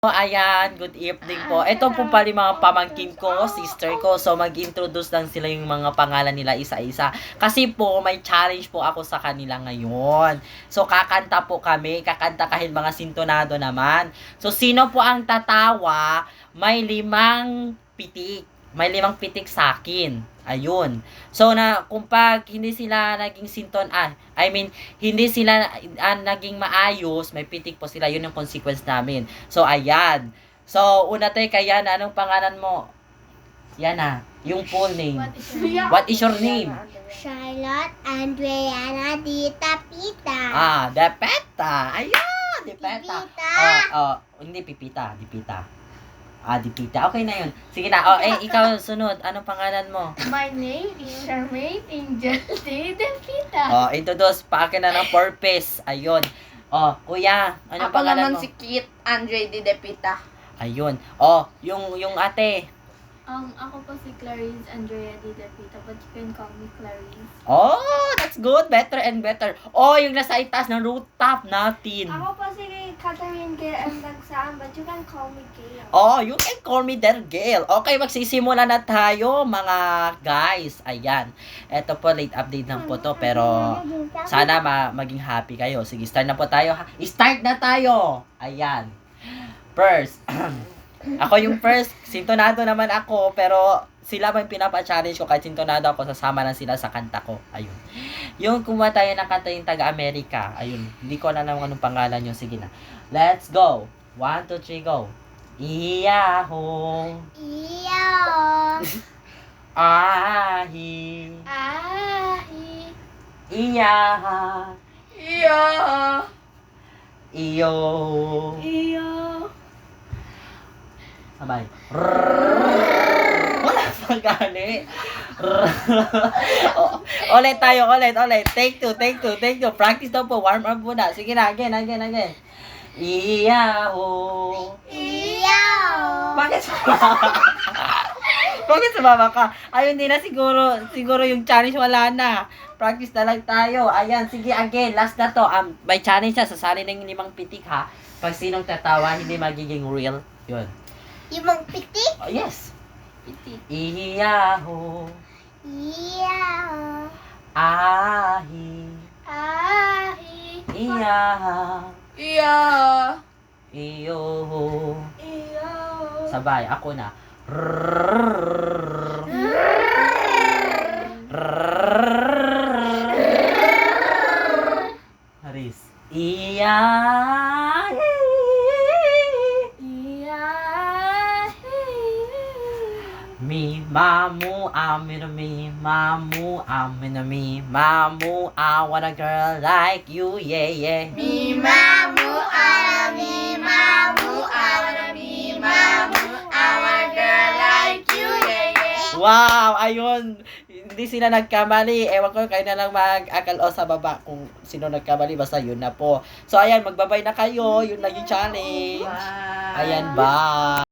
Ayan, good evening po. Ito po pala yung mga pamangkin ko, sister ko. So, mag-introduce lang sila yung mga pangalan nila isa-isa. Kasi po, may challenge po ako sa kanila ngayon. So, kakanta po kami. Kakanta kahit mga sintonado naman. So, sino po ang tatawa, may 5 pitik. May 5 pitik sa akin. Ayun. So, kung pag hindi sila naging hindi sila naging maayos, may pitik po sila. Yun yung consequence namin. So, ayan. So, una tayo kay Yana. Anong pangalan mo? Yana. Yung full name. What is your name? Charlotte Andreana Dita Pita. Depeta. Ayan, Depeta. Pipita. Hindi Pipita. Dipita. Dipita. Okay na yun. Sige na. Ikaw sunod. Anong pangalan mo? My name is Charmaine Angel Depita. Introduce. Paakin na ng purpose. Ayun. Kuya. Anong Ako pangalan mo? naman si Kit Andre Depita. Ayun. Yung ate. Ako po si Clarice Andrea Depita, but you can call me Clarice. That's good. Better and better. Yung nasa itaas ng rooftop natin. Ako po si Catherine Gail M. Dagsaan, but you can call me Gail. You can call me there, Gail. Okay, magsisimula na tayo, mga guys. Ayan. Ito po, late update lang po to, pero sana maging happy kayo. Sige, start na po tayo. Start na tayo. Ayan. First. Ako yung first. Sintonado naman ako, pero sila ba yung pinapa-challenge ko? Kahit sintonado ako, sasama lang sila sa kanta ko. Ayun. Yung kumuha tayo ng kanta yung taga-Amerika. Ayun. Hindi ko alam anong pangalan yun. Sige na. Let's go. 1, 2, 3, go. Iyaho. Iyo. Ahi. Ahi. Iyaha. Iyo. Iyo. Iyo. Sabay. Wala pa gani. Ulit tayo, ulit. Take two. Practice daw po. Warm up muna. Sige na, again. Iyaho. Iyo. Bakit sumama ka? Ayun, hindi na siguro yung challenge wala na. Practice na lang tayo. Ayan, sige, again. Last na to. May challenge na. Sasali na yung 5 pitik, ha? Pag sinong tatawa, hindi magiging real. Yun. Yung mga pitik. Yes. Pitik. Iyaho. Iyo. Ahi. Ahi. Iyaha. Iyo. Iyo. Iyo. Sabay, ako na. Haris. Iyahi. Me, mamu, I want a girl like you, yeah. Mi mamu mi mamu mi mamu our girl like you, yeah. Wow, ayun. Hindi sila nagkamali. Ewan ko, kayo na lang mag-akal sa baba kung sino nagkamali. Basta yun na po. So, ayan, magbabay na kayo. Yun lang yung challenge. Ayan, bye.